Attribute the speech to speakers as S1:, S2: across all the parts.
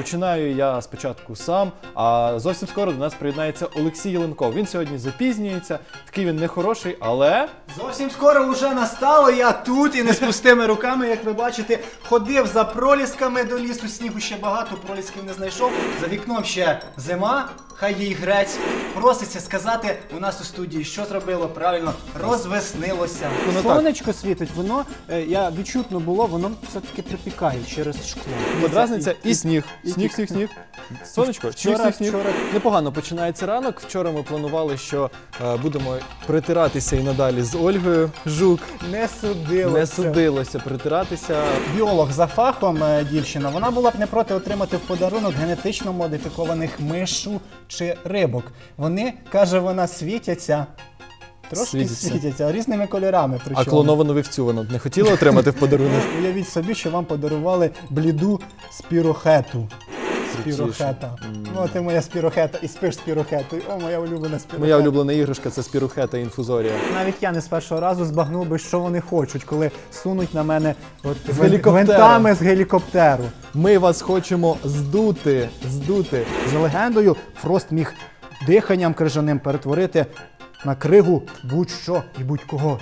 S1: Починаю я спочатку сам, а зовсім скоро до нас приєднається Олексій Єленков. Він сьогодні запізнюється, такий він нехороший, але...
S2: Зовсім скоро вже настало, я тут і не з пустими руками, як ви бачите, ходив за пролісками до лісу, снігу ще багато, пролісків не знайшов. За вікном ще зима, хай їй грець. Проситься сказати у нас у студії, що зробило правильно, розвеснилося.
S3: Сонечко світить, воно, я відчутно було, воно все-таки припікає через шкло.
S1: Подразниця і сніг. Сніг. Сонечко, сніг. Непогано починається ранок. Вчора ми планували, що будемо притиратися і надалі з Ольгою Жук. Не судилося притиратися.
S2: Біолог за фахом дівчина, вона була б не проти отримати в подарунок генетично модифікованих мишу чи рибок. Вони, каже вона, світяться. Трошки світяться, різними кольорами.
S1: А клоновану вівцю вона б не хотіла отримати в подарунок?
S2: Уявіть собі, що вам подарували бліду спірохету. Спірохета. Ну, ти моя спірохета і спиш спірохетою. О, моя улюблена спірохета.
S1: Моя улюблена іграшка – це спірохета інфузорія.
S2: Навіть я не з першого разу збагнув би, що вони хочуть, коли сунуть на мене
S1: гвинтами
S2: з гелікоптеру.
S1: Ми вас хочемо здути.
S2: За легендою, Фрост міг диханням крижаним перетворити на кригу будь-що і будь-кого.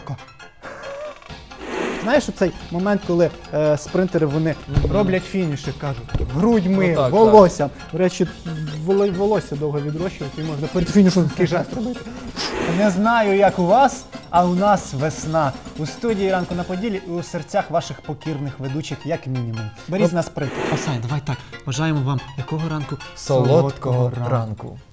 S2: Знаєш, оцей момент, коли спринтери вони роблять фініші, кажуть, грудьми, волоссям. До речі, волосся довго відрощувати, і можна перед фінішем такий жест робити. Не знаю, як у вас, а у нас весна. У студії «Ранку на Поділлі» і у серцях ваших покірних ведучих, як мінімум. Беріть з нас приклад. Осай, давай так, бажаємо вам якого ранку?
S1: Солодкого ранку.